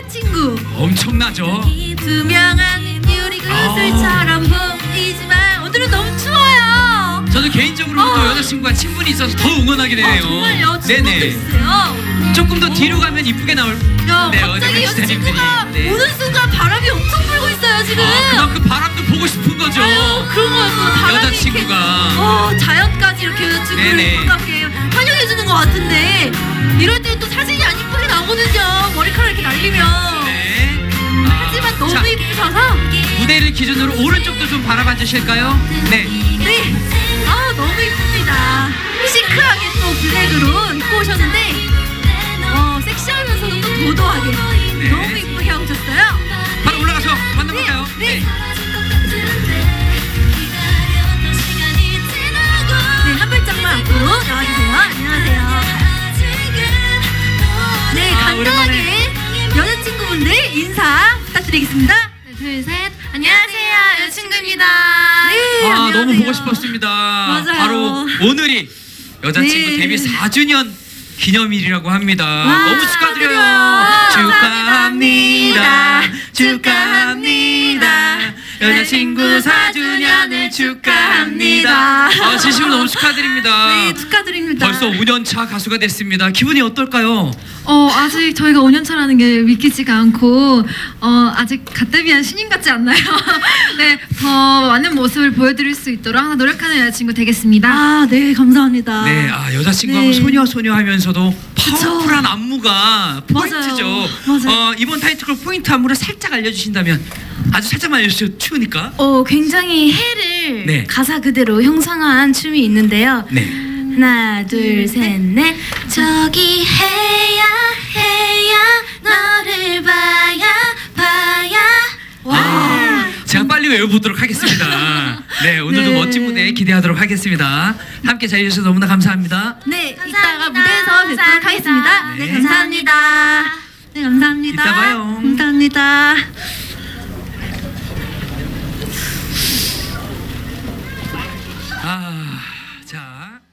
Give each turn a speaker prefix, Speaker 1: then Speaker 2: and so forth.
Speaker 1: 여자친구
Speaker 2: 엄청나죠?
Speaker 1: 투명한 유리 구슬처럼 보이지만 오늘은 너무 추워요.
Speaker 2: 저는 개인적으로도 여자친구와 친분이 있어서 더 응원하게 되네요.
Speaker 1: 정말요?
Speaker 2: 네네.
Speaker 1: 있어요.
Speaker 2: 조금 더 뒤로 가면 이쁘게 나올.
Speaker 1: 야,
Speaker 2: 네,
Speaker 1: 갑자기 여자친구가
Speaker 2: 네.
Speaker 1: 오는 순간 바람이 엄청 불고 있어요 지금.
Speaker 2: 그만큼 바람도 보고 싶은 거죠.
Speaker 1: 아유, 그런 거였어. 바람이
Speaker 2: 여자친구가.
Speaker 1: 이렇게, 자연까지 이렇게 여자친구를 이렇게 환영해주는 것 같은데 이럴 때 또 사진이 안 이쁘게 나오거든요. 머리카락 이렇게 날리면.
Speaker 2: 네.
Speaker 1: 하지만 너무 이쁘셔서.
Speaker 2: 무대를 기준으로 오른쪽도 좀 바라봐 주실까요? 네.
Speaker 1: 네. 너무 이쁩니다. 시크하게 또 블랙으로 입고 오셨는데 섹시하면서도 또 도도하게
Speaker 2: 네.
Speaker 1: 너무 이쁘게 하고 오셨어요.
Speaker 2: 바로 올라가서 만나볼까요?
Speaker 1: 네. 한 발짝만 앞으로 나와주세요. 안녕하세요. 네, 간단하게 여자친구분들 인사 부탁드리겠습니다.
Speaker 3: 네, 둘, 셋. 안녕하세요. 여자친구입니다.
Speaker 1: 네, 안녕하세요.
Speaker 2: 너무 보고 싶었습니다.
Speaker 1: 맞아요.
Speaker 2: 바로 오늘이 여자친구
Speaker 1: 네.
Speaker 2: 데뷔 4주년 기념일이라고 합니다.
Speaker 1: 와,
Speaker 2: 너무 축하드려요.
Speaker 1: 축하합니다.
Speaker 2: 축하합니다. 여자친구 4주년을 축하합니다. 진심으로 너무 축하드립니다.
Speaker 1: 네, 축하드립니다.
Speaker 2: 벌써 5년차 가수가 됐습니다. 기분이 어떨까요?
Speaker 3: 아직 저희가 5년 차라는 게 믿기지가 않고 아직 갓 데뷔한 신인 같지 않나요? 네, 더 많은 모습을 보여드릴 수 있도록 항상 노력하는 여자친구 되겠습니다.
Speaker 1: 네, 감사합니다.
Speaker 2: 네, 여자친구 하면 소녀 하면서도 파워풀한 안무가 포인트죠.
Speaker 1: 맞아요.
Speaker 2: 이번 타이틀곡 포인트 안무를 살짝 알려주신다면 아주 살짝만 알려주세요. 추우니까.
Speaker 3: 굉장히 해를
Speaker 2: 네.
Speaker 3: 가사 그대로 형상화한 춤이 있는데요.
Speaker 2: 네.
Speaker 3: 하나, 둘, 셋, 넷. 저기 해야 너를 봐야. 와.
Speaker 2: 제가 빨리 외워보도록 하겠습니다. 네, 오늘도
Speaker 1: 네.
Speaker 2: 멋진 무대 기대하도록 하겠습니다. 함께 잘해주셔서 너무나 감사합니다.
Speaker 1: 네,
Speaker 3: 감사합니다.
Speaker 1: 이따가 무대에서 뵙도록 하겠습니다.
Speaker 2: 네.
Speaker 1: 네, 감사합니다. 네, 감사합니다.
Speaker 2: 이따 봐요.
Speaker 1: 감사합니다.
Speaker 2: 자.